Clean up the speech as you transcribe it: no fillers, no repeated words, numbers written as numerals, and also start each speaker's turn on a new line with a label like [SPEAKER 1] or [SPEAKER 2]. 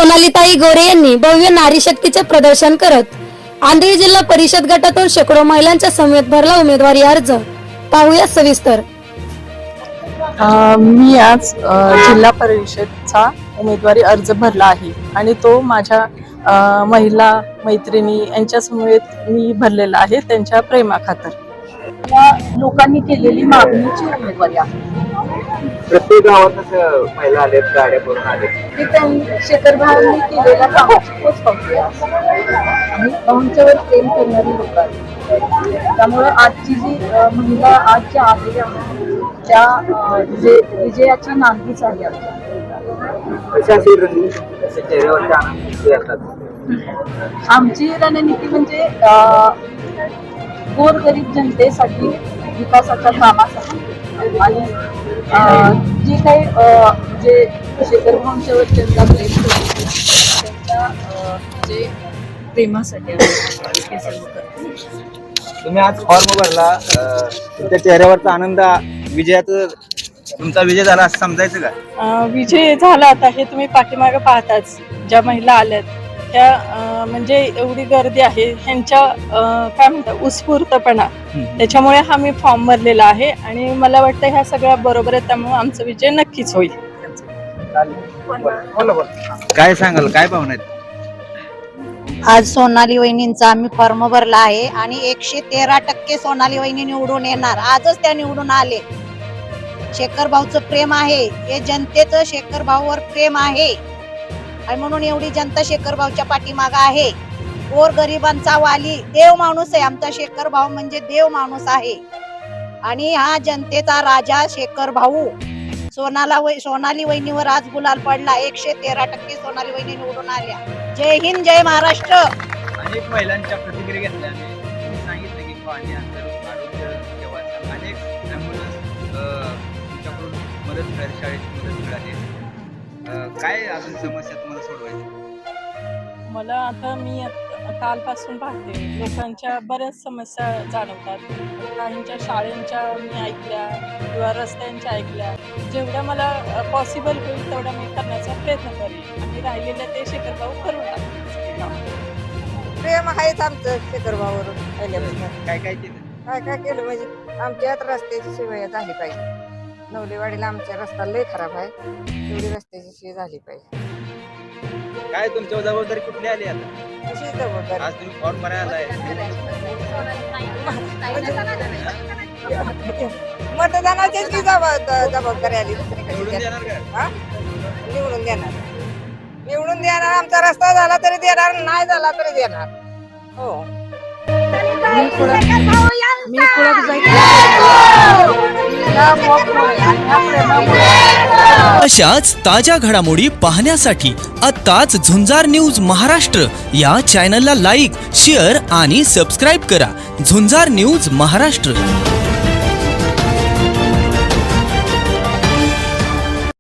[SPEAKER 1] सोनालीताई गोरे यांनी भव्य नारी शक्तीचे प्रदर्शन करत आंधळी जिल्हा परिषद गटातून शेकडो महिलांच्या समेत भरला उमेदवारी अर्ज। पाहूया सविस्तर।
[SPEAKER 2] मी आज जिल्हा परिषदचा उमेदवारी अर्ज भरला आहे आणि तो माझ्या महिला मैत्रिणी यांच्या समेत मी भरलेला आहे, त्यांच्या प्रेमाखातर।
[SPEAKER 3] लोकांनी केलेली मागणीची उमेदवारी आहे।
[SPEAKER 4] प्रत्येक गावात महिला आलेत, गाड्या करून आलेत,
[SPEAKER 3] ती त्यांनी शेखर भाऊंनी केलेल्या कामाची पोच पावती आहे आणि भाऊंच्यावर प्रेम करणारी लोक आहेत। त्यामुळे आजची जी महिला आज ज्या आलेल्या त्या विजयाची नांदीच आहे आमच्या।
[SPEAKER 4] चेहऱ्यावरचे आनंद किती असतात?
[SPEAKER 3] आमची रणनीती म्हणजे गोरगरीब जनतेसाठी, विकासाच्या कामासाठी आणि जी काही जे शेखर भाऊंच्यावर त्यांचा प्रेम करतो त्यांच्या जे प्रेमासाठी हे सर्व करतो।
[SPEAKER 4] तुम्ही आज फॉर्म भरला, तुमच्या चेहऱ्यावरचा आनंद, विजयाचा तुमचा विजय झाला असं समजायचं का?
[SPEAKER 2] विजय झाला आता हे तुम्ही पाठीमागे पाहताच, ज्या महिला आल्यात त्या म्हणजे एवढी गर्दी आहे, ह्यांच्या काय म्हणतात उत्स्फूर्तपणा, त्याच्यामुळे हा मी फॉर्म भरलेला आहे आणि मला वाटतं ह्या सगळ्या बरोबर आहे, त्यामुळे आमचा विजय नक्कीच होईल।
[SPEAKER 4] काय सांगाल, काय भावना आहेत?
[SPEAKER 5] आज सोनाली वहिनींचा आम्ही फॉर्म भरला आहे आणि 113% सोनाली वहिनी निवडून येणार। आजच त्या निवडून आले। शेखर भाऊचं प्रेम आहे, हे जनतेचं शेखर भाऊवर प्रेम आहे आणि म्हणून एवढी जनता शेखर भाऊच्या पाठीमागे आहे। गोर गरिबांचा वाली देव माणूस आहे आमचा शेखर भाऊ, म्हणजे देव माणूस आहे आणि हा जनतेचा राजा शेखर भाऊ। सोनाली वहिनीवर आज गुलाल पडला। 113% सोनाली वहिनी निवडून आल्या। जय हिंद, जय महाराष्ट्र।
[SPEAKER 4] अनेक महिलांच्या प्रतिक्रिया घेतल्या, तुम्ही सांगितलं की पाणी, अंतर, आरोग्य सेवाचा अनेक ॲम्ब्युलन्स तुमच्याकडून मदत मिळाली, शाळेची मदत मिळाली। काय अजून समस्या तुम्हाला सोडवायची?
[SPEAKER 2] मला आता मी कालपासून पाहते, लोकांच्या बऱ्याच समस्या जाणवतात। काहींच्या शाळेंच्या मी ऐकल्या किंवा रस्त्यांच्या ऐकल्या। जेवढ्या मला पॉसिबल होईल तेवढा मी करण्याचा प्रयत्न करेन आणि राहिलेल्या ते शेखर भाऊ करून टाकतील।
[SPEAKER 6] प्रेम आहेच आमचं शेखर भाऊवर पहिल्यापासून।
[SPEAKER 4] काय काय केलं?
[SPEAKER 6] काय केलं म्हणजे आमच्यात रस्त्याची सोय झाली पाहिजे। नवलेवाडीला आमचा रस्ता लय खराब आहे, तेवढी रस्त्याची सोय झाली पाहिजे।
[SPEAKER 4] काय तुमच्या जबाबदारी कुठली आली आता?
[SPEAKER 6] कशी जबाबदारी?
[SPEAKER 4] आज तुम्ही फॉर्म भरायला आलाय,
[SPEAKER 6] मतदानाचीच की जबाबदारी आली, दुसरी
[SPEAKER 4] निवडून
[SPEAKER 6] कशी?
[SPEAKER 4] देणार का?
[SPEAKER 6] हा? निवडून देणार, निवडून देणार। आमचा रस्ता झाला तरी देणार, नाही झाला तरी देणार। हो,
[SPEAKER 7] अशाच ताज्या घडामोडी पाहण्यासाठी आत्ताच झुंजार न्यूज महाराष्ट्र या चॅनलला लाईक, शेअर आणि सबस्क्राईब करा। झुंजार न्यूज महाराष्ट्र।